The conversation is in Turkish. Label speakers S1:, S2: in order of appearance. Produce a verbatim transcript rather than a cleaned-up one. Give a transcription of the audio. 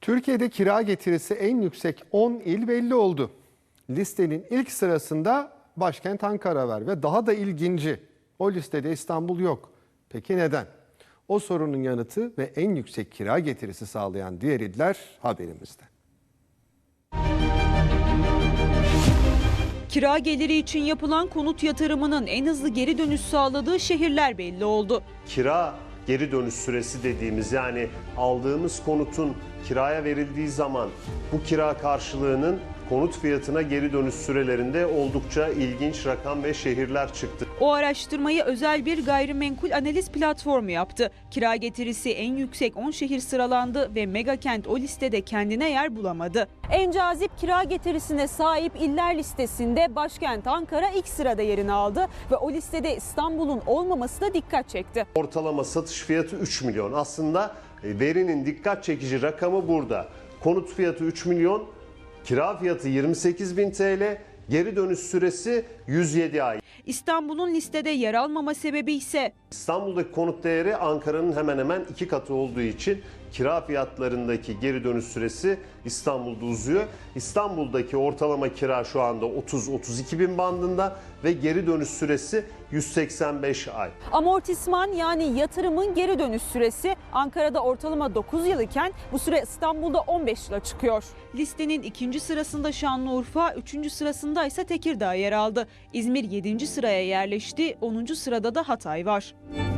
S1: Türkiye'de kira getirisi en yüksek on il belli oldu. Listenin ilk sırasında başkent Ankara var ve daha da ilginci, o listede İstanbul yok. Peki neden? O sorunun yanıtı ve en yüksek kira getirisi sağlayan diğer iller haberimizde.
S2: Kira geliri için yapılan konut yatırımının en hızlı geri dönüş sağladığı şehirler belli oldu.
S3: Kira geri dönüş süresi dediğimiz, yani aldığımız konutun kiraya verildiği zaman bu kira karşılığının konut fiyatına geri dönüş sürelerinde oldukça ilginç rakam ve şehirler çıktı.
S2: O araştırmayı özel bir gayrimenkul analiz platformu yaptı. Kira getirisi en yüksek on şehir sıralandı ve Megakent o listede kendine yer bulamadı. En cazip kira getirisine sahip iller listesinde başkent Ankara ilk sırada yerini aldı ve o listede İstanbul'un olmaması da dikkat çekti.
S3: Ortalama satış fiyatı üç milyon. Aslında verinin dikkat çekici rakamı burada. Konut fiyatı üç milyon, kira fiyatı yirmi sekiz bin T L, geri dönüş süresi yüz yedi ay.
S2: İstanbul'un listede yer almama sebebi ise
S3: İstanbul'daki konut değeri Ankara'nın hemen hemen iki katı olduğu için kira fiyatlarındaki geri dönüş süresi İstanbul'da uzuyor. İstanbul'daki ortalama kira şu anda otuz otuz iki bin bandında ve geri dönüş süresi yüz seksen beş ay.
S2: amortisman, yani yatırımın geri dönüş süresi Ankara'da ortalama dokuz yıl iken bu süre İstanbul'da on beş yıla çıkıyor. Listenin ikinci sırasında Şanlıurfa, üçüncü sırasında ise Tekirdağ yer aldı. İzmir yedinci sıraya yerleşti, onuncu sırada da Hatay var.